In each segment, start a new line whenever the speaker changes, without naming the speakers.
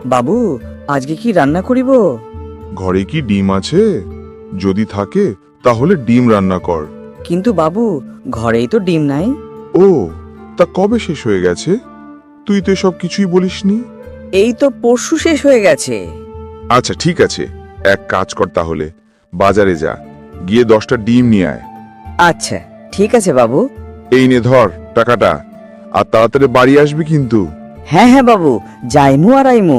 বাবু, আজকে কি রান্না করিব?
ঘরে কি ডিম আছে? যদি থাকে তাহলে ডিম রান্না কর।
কিন্তু বাবু, ঘরেই তো ডিম নাই।
ও, তা কবে শেষ হয়ে গেছে? তুই তো সব কিছুই বলিসনি।
এই তো পরশু শেষ হয়ে গেছে।
আচ্ছা ঠিক আছে, এক কাজ কর তাহলে, বাজারে যা, গিয়ে 10টা ডিম নিয়ে আয়।
আচ্ছা ঠিক আছে বাবু।
এই নে ধর টাকাটা, আর তাড়াতাড়ি বাড়ি আসবি কিন্তু।
হ্যাঁ হ্যাঁ বাবু, যাইমু আর আইমু।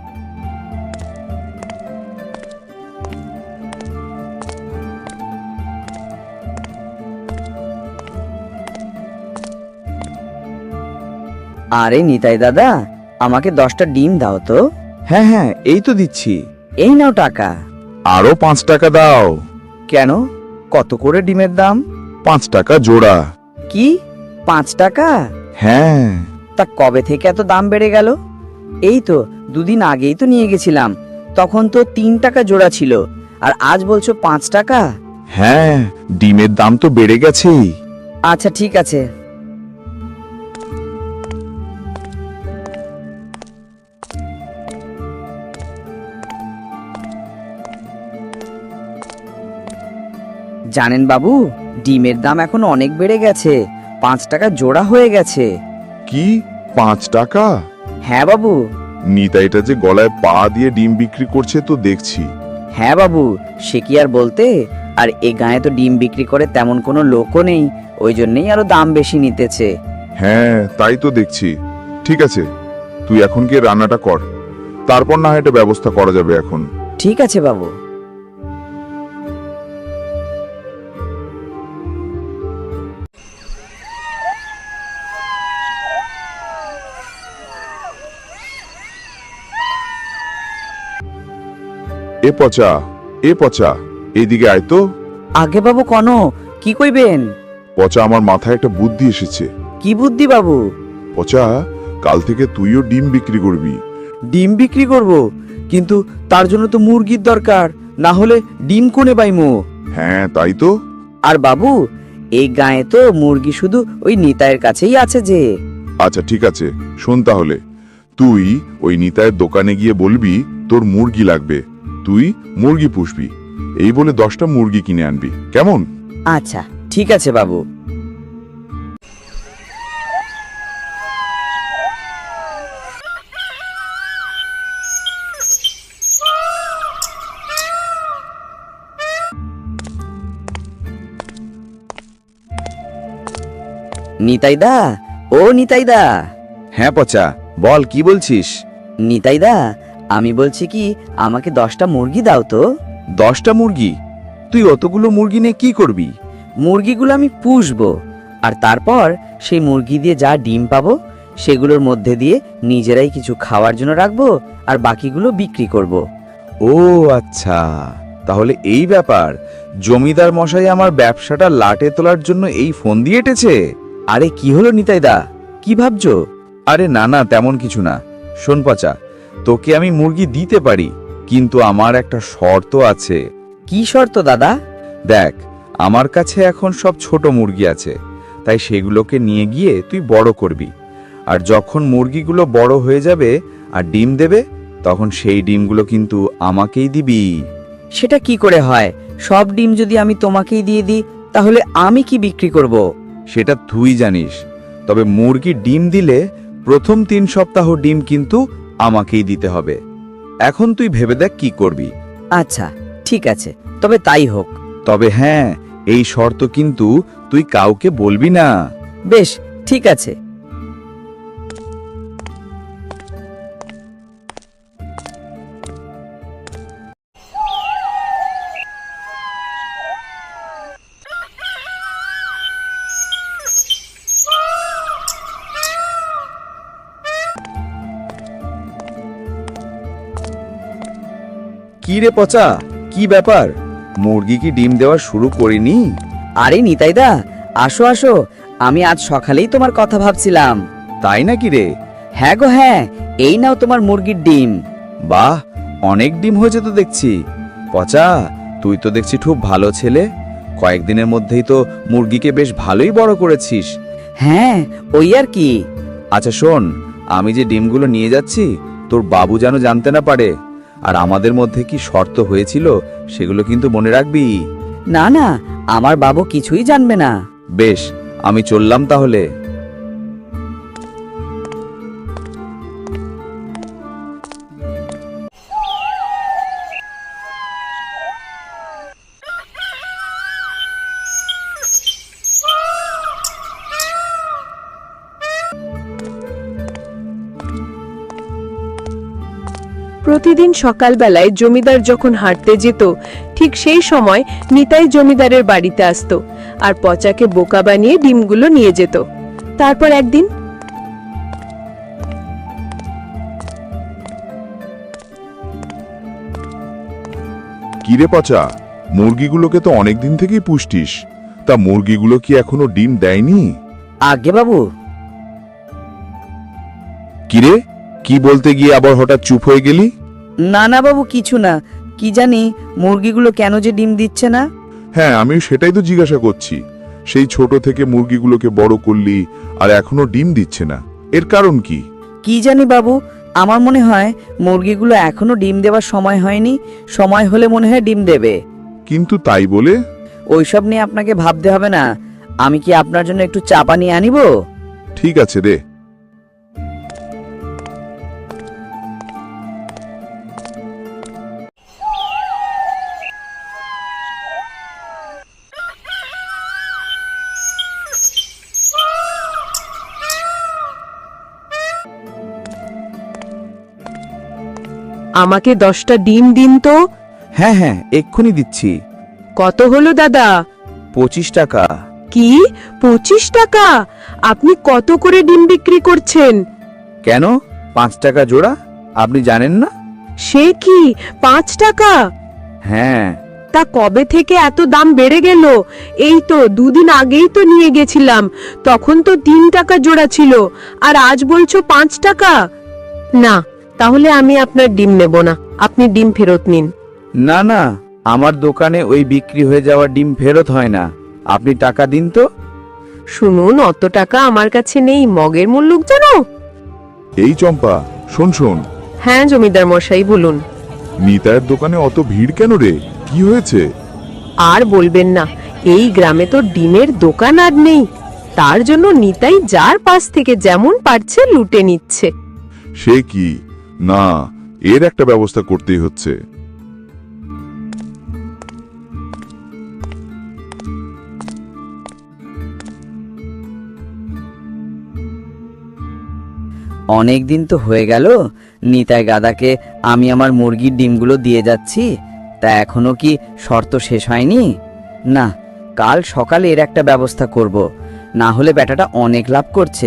আরে নিতাই দাদা, আমাকে 10টা ডিম দাও তো।
হ্যাঁ হ্যাঁ, এই তো দিচ্ছি।
এই নাও টাকা।
আরো 5 টাকা দাও।
কেন, কত করে ডিমের দাম?
5 টাকা জোড়া।
কি, 5 টাকা?
হ্যাঁ।
তা কবে থেকে এত দাম বেড়ে গেল? এই তো 2 দিন আগেই তো নিয়ে গেছিলাম, তখন তো 3 টাকা জোড়া ছিল, আর আজ বলছো 5 টাকা।
হ্যাঁ, ডিমের দাম তো বেড়ে গেছেই।
আচ্ছা ঠিক আছে। জানেন বাবু, ডিমের দাম এখন অনেক বেড়ে গেছে, 5 টাকা জোড়া হয়ে গেছে।
কি, 5 টাকা?
হ্যাঁ বাবু।
নিতাইটা যে গলায় পা দিয়ে ডিম বিক্রি করছে তো দেখছি।
হ্যাঁ বাবু, সে কি আর বলতে, আর এ গায়ে তো ডিম বিক্রি করে তেমন কোনো লোকও নেই, ওই জন্যই আরো দাম বেশি নিতেছে।
হ্যাঁ তাই তো দেখছি। ঠিক আছে, তুই এখন গিয়ে রান্নাটা কর, তারপর না হয় এটা ব্যবস্থা করা যাবে এখন।
ঠিক আছে বাবু।
এ পচা, এ পচা, এইদিকে আয় তো।
আগে বাবু কন, কি কইবেন?
পচা, আমার মাথায় একটা বুদ্ধি এসেছে।
কি বুদ্ধি বাবু?
পচা, কাল থেকে তুইও ডিম বিক্রি করবি।
ডিম বিক্রি করব, কিন্তু তার জন্য তো মুরগির দরকার, না হলে ডিম কোনে পাইমু?
হ্যাঁ তাই তো।
আর বাবু, এই গায়ে তো মুরগি শুধু ওই নিতাইয়ের কাছেই আছে যে।
আচ্ছা ঠিক আছে, শোন তাহলে, তুই ওই নিতাইয়ের দোকানে গিয়ে বলবি তোর মুরগি লাগবে, তুই মুরগি পুষবি, এই বলে 10টা মুরগি কিনে আনবি, কেমন?
আচ্ছা ঠিক আছে বাবু। নিতাইদা, ও নিতাইদা।
হ্যাঁ পচা, বল কি বলছিস?
নিতাইদা, আমি বলছি কি, আমাকে 10টা মুরগি দাও তো।
10টা মুরগি? তুই অতগুলো মুরগি নিয়ে কি করবি?
মুরগিগুলো আমি পুষবো, আর তারপর সেই মুরগি দিয়ে যা ডিম পাবো সেগুলোর মধ্যে দিয়ে নিজেরাই কিছু খাওয়ার জন্য রাখবো, আর বাকিগুলো বিক্রি করব।
ও আচ্ছা, তাহলে এই ব্যাপার। জমিদার মশাই আমার ব্যবসাটা লাটে তোলার জন্য এই ফোন দিয়ে এটেছে। আরে কি হলো নিতাইদা, কি ভাবছো? আরে না না, তেমন কিছু না। শোন পচা, তোকে আমি মুরগি দিতে পারি, কিন্তু আমার একটা শর্ত আছে।
কি শর্ত দাদা?
দেখ, আমার কাছে এখন সব ছোট মুরগি আছে, তাই সেগুলোকে নিয়ে গিয়ে তুই বড় করবি, আর যখন মুরগিগুলো বড় হয়ে যাবে আর ডিম দেবে, তখন সেই ডিমগুলো কিন্তু আমাকেই দিবি।
সেটা কি করে হয়? সব ডিম যদি আমি তোমাকেই দিয়ে দিই, তাহলে আমি কি বিক্রি করব?
সেটা তুই জানিস, তবে মুরগি ডিম দিলে প্রথম 3 সপ্তাহ ডিম কিন্তু আমাকেই দিতে হবে। এখন তুই ভেবে দেখ কি করবি।
আচ্ছা ঠিক আছে, তবে তাই হোক।
তবে হ্যাঁ, এই শর্ত কিন্তু তুই কাউকে বলবি না।
বেশ ঠিক আছে।
কি রে পচা, কি ব্যাপার? মুরগি কি ডিম দেওয়া শুরু করিনি?
আরে নিতাইদা, আসো আসো, আমি আজ সকালেই তোমার কথা ভাবছিলাম।
তাই নাকি রে?
হ্যাঁ গো হ্যাঁ, এই নাও তোমার মুরগির ডিম।
বাহ, অনেক ডিম হয়েছে তো দেখছি। পচা, তুই তো দেখছি খুব ভালো ছেলে, কয়েকদিনের মধ্যেই তো মুরগিকে বেশ ভালোই বড় করেছিস।
হ্যাঁ, ওই আর কি।
আচ্ছা শোন, আমি যে ডিমগুলো নিয়ে যাচ্ছি তোর বাবু যেন জানতে না পারে। আর আমাদের মধ্যে কি শর্ত হয়েছিল সেগুলো কিন্তু মনে রাখবি।
না না, আমার বাবু কিছুই জানবে না।
বেশ, আমি চললাম তাহলে।
প্রতিদিন সকালবেলায় জমিদার যখন হাঁটতে যেত, ঠিক সেই সময় নিতাই জমিদারের বাড়িতে আসতো আর পচাকে বোকা বানিয়ে ডিমগুলো নিয়ে যেত। তারপর একদিন
কিরে পচা, মুরগিগুলোকে তো অনেকদিন থেকেই পুষ্টিস, তা মুরগিগুলো কি এখনো ডিম দেয়নি?
আগে বাবু।
কিরে, কি বলতে গিয়ে আবার হঠাৎ চুপ হয়ে গেলি?
না না বাবু, কিছু না। কি জানি মুরগিগুলো কেন যে ডিম দিচ্ছে না।
হ্যাঁ, আমি সেটাই তো জিজ্ঞাসা করছি। সেই ছোট থেকে মুরগিগুলোকে বড় করলি আর এখনো ডিম দিচ্ছে না, এর কারণ কি?
কি জানি বাবু, আমার মনে হয় মুরগিগুলো এখনো ডিম দেওয়ার সময় হয়নি। সময় হলে মনে হয় ডিম দেবে।
কিন্তু তাই বলে?
ওইসব নিয়ে আপনাকে ভাবতে হবে না। আমি কি আপনার জন্য একটু চা পানি আনিব?
ঠিক আছে রে।
আমাকে 10টা ডিম দিন তো।
হ্যাঁ হ্যাঁ, এক্ষুনি দিচ্ছি।
কত হলো দাদা?
25 টাকা।
কি, 25 টাকা? আপনি কত করে ডিম বিক্রি করছেন?
কেন, 5 টাকা জোড়া? আপনি জানেন না?
সে কি, 5 টাকা?
হ্যাঁ।
তা কবে থেকে এত দাম বেড়ে গেল? এই তো 2 দিন আগেই তো নিয়ে গেছিলাম, তখন তো 3 টাকা জোড়া ছিল, আর আজ বলছো 5 টাকা? না, তাহলে আমি আপনার ডিম নেব না, আপনি ডিম ফেরত নিন।
না না, আমার দোকানে ওই বিক্রি হয়ে যাওয়া ডিম ফেরত হয় না। আপনি টাকা দিন তো।
শুনুন, অত টাকা আমার কাছে নেই, মগের মূল্য জানো?
এই চম্পা, শোন শোন,
হ্যাঁ জমিদার মশাই, বলুন।
নিতাইয়ের দোকানে অত ভিড় কেন রে? কি হয়েছে?
আর বলবেন না, এই গ্রামে তো ডিমের দোকান আর নেই, তার জন্য নিতাই যার পাশ থেকে যেমন পারছে লুটে নিচ্ছে।
সে কি? না, এর একটা ব্যবস্থা করতেই হচ্ছে।
অনেক দিন তো হয়ে গেল নিতাই গাদাকে আমি আমার মুরগির ডিমগুলো দিয়ে যাচ্ছি, তা এখনো কি শর্ত শেষ হয়নি? না, কাল সকালে এর একটা ব্যবস্থা করব, না হলে বেটাটা অনেক লাভ করছে।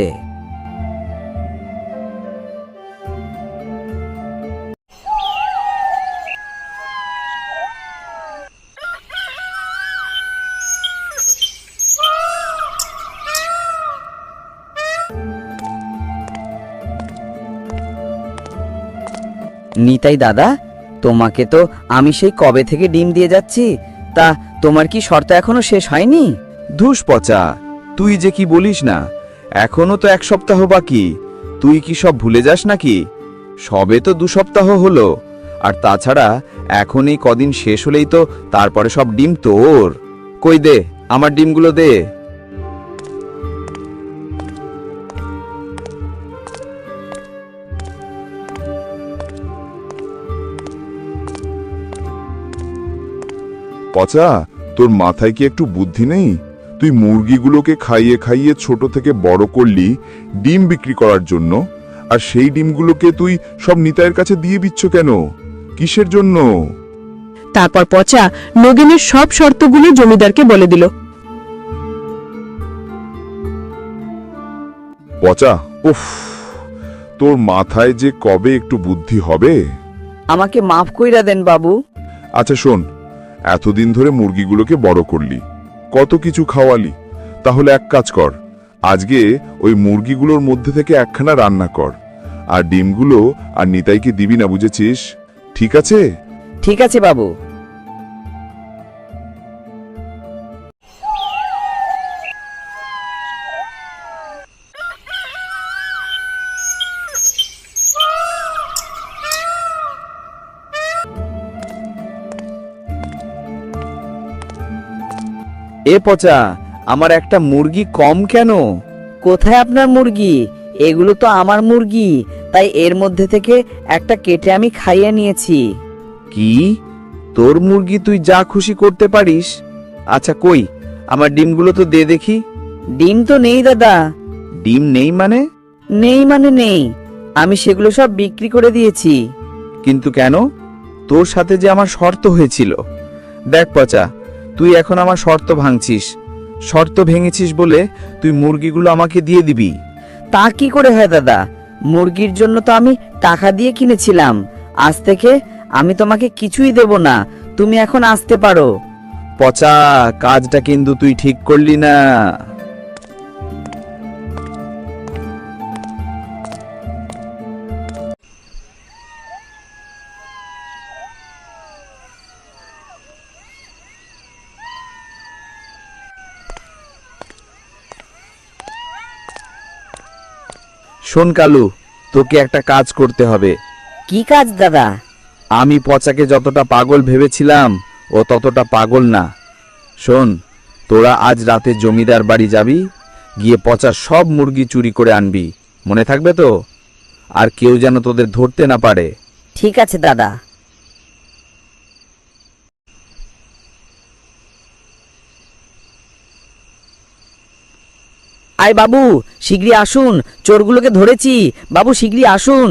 নিতাই দাদা, তোমাকে তো আমি সেই কবে থেকে ডিম দিয়ে যাচ্ছি, তা তোমার কি শর্ত এখনো শেষ হয়নি?
ধুস পচা, তুই যে কি বলিস না, এখনো তো 1 সপ্তাহ বাকি। তুই কি সব ভুলে যাস নাকি? সবে তো 2 সপ্তাহ হলো, আর তাছাড়া এখন এই কদিন শেষ হলেই তো তারপরে সব ডিম তোর। কই দে, আমার ডিমগুলো দে।
পচা, তোর মাথায় কি একটু বুদ্ধি নেই? তুই মুরগিগুলোকে খাইয়ে খাইয়ে ছোট থেকে বড় করলি ডিম বিক্রি করার জন্য, আর সেই ডিমগুলোকে তুই সব নিতাইয়ের কাছে দিয়ে দিচ্ছ কেন? কিসের জন্য?
তারপর পচা নগেনের সব শর্তগুলো জমিদারকে বলে দিল।
পচা, উফ, তোর মাথায় যে কবে একটু বুদ্ধি হবে?
আমাকে মাফ কইরা দেন বাবু।
আচ্ছা শোন, এতদিন ধরে মুরগিগুলোকে বড় করলি, কত কিছু খাওয়ালি, তাহলে এক কাজ কর, আজকে ওই মুরগিগুলোর মধ্যে থেকে একখানা রান্না কর, আর ডিমগুলো আর নিতাইকে দিবি না, বুঝেছিস? ঠিক আছে?
ঠিক আছে বাবু।
এ পচা, আমার একটা মুরগি কম কেন?
কোথায় আপনার মুরগি? এগুলো তো আমার মুরগি, তাই এর মধ্যে থেকে একটা কেটে আমি খাইয়ে নিয়েছি।
কি? তোর মুরগি তুই যা খুশি করতে পারিস? আচ্ছা কই, আমার ডিমগুলো তো দে দেখি।
ডিম তো নেই দাদা।
ডিম নেই মানে?
নেই মানে নেই, আমি সেগুলো সব বিক্রি করে দিয়েছি।
কিন্তু কেন? তোর সাথে যে আমার শর্ত হয়েছিল। দেখ পচা, তুই এখন আমার শর্ত ভাঙছিস। শর্ত ভেঙেছিস বলে তুই মুরগিগুলো আমাকে দিয়ে দিবি।
তা কি করে হয় দাদা? মুরগির জন্য তো আমি টাকা দিয়ে কিনেছিলাম। আজ থেকে আমি তোমাকে কিছুই দেব না, তুমি এখন আসতে পারো।
পচা, কাজটা কিন্তু তুই ঠিক করলি না। শোন কালু, তোকে একটা কাজ করতে হবে।
কি কাজ দাদা?
আমি পচাকে যতটা পাগল ভেবেছিলাম ও ততটা পাগল না। শোন, তোরা আজ রাতে জমিদার বাড়ি যাবি, গিয়ে পচা সব মুরগি চুরি করে আনবি। মনে থাকবে তো? আর কেউ যেন তোদের ধরতে না পারে।
ঠিক আছে দাদা। আয় বাবু, শিগগিরই আসুন, চোরগুলোকে ধরেছি। বাবু শিগগিরই আসুন।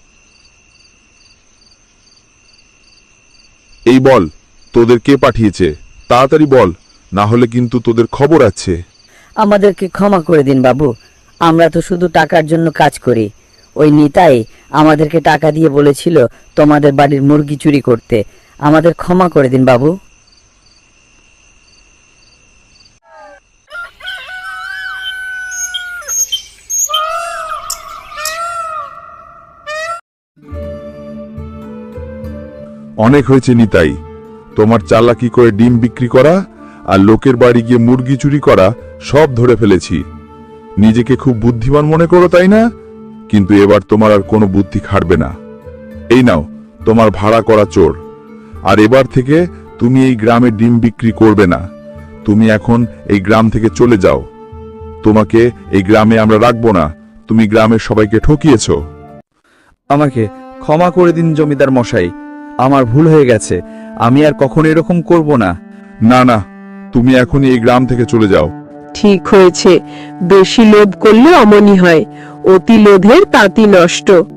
এই বল, তোদের কে পাঠিয়েছে? তাড়াতাড়ি বল, না হলে কিন্তু তোদের খবর আছে।
আমাদেরকে ক্ষমা করে দিন বাবু, আমরা তো শুধু টাকার জন্য কাজ করি। ওই নিতাই আমাদেরকে টাকা দিয়ে বলেছিল তোমাদের বাড়ির মুরগি চুরি করতে। আমাদের ক্ষমা করে দিন বাবু।
অনেক হয়েছে নিতাই, তোমার চালাকি করে ডিম বিক্রি করা আর লোকের বাড়ি গিয়ে মুরগি চুরি করা সব ধরে ফেলেছি। নিজেকে খুব বুদ্ধিমান মনে করো তাই না? কিন্তু এবার তোমার আর কোনো বুদ্ধি খাটবে না। এই নাও তোমার ভাড়া করা চোর। আর এবার থেকে তুমি এই গ্রামে ডিম বিক্রি করবে না। তুমি এখন এই গ্রাম থেকে চলে যাও। তোমাকে এই গ্রামে আমরা রাখবো না, তুমি গ্রামের সবাইকে ঠকিয়েছো।
আমাকে ক্ষমা করে দিন জমিদার মশাই, আমার ভুল হয়ে গেছে। আমি আর কখনো এরকম করব না।
না না, তুমি এখনই এই গ্রাম থেকে চলে যাও।
ঠিক হয়েছে, বেশি লোভ করলে অমনি হয়, অতি লোভের তাঁতি নষ্ট।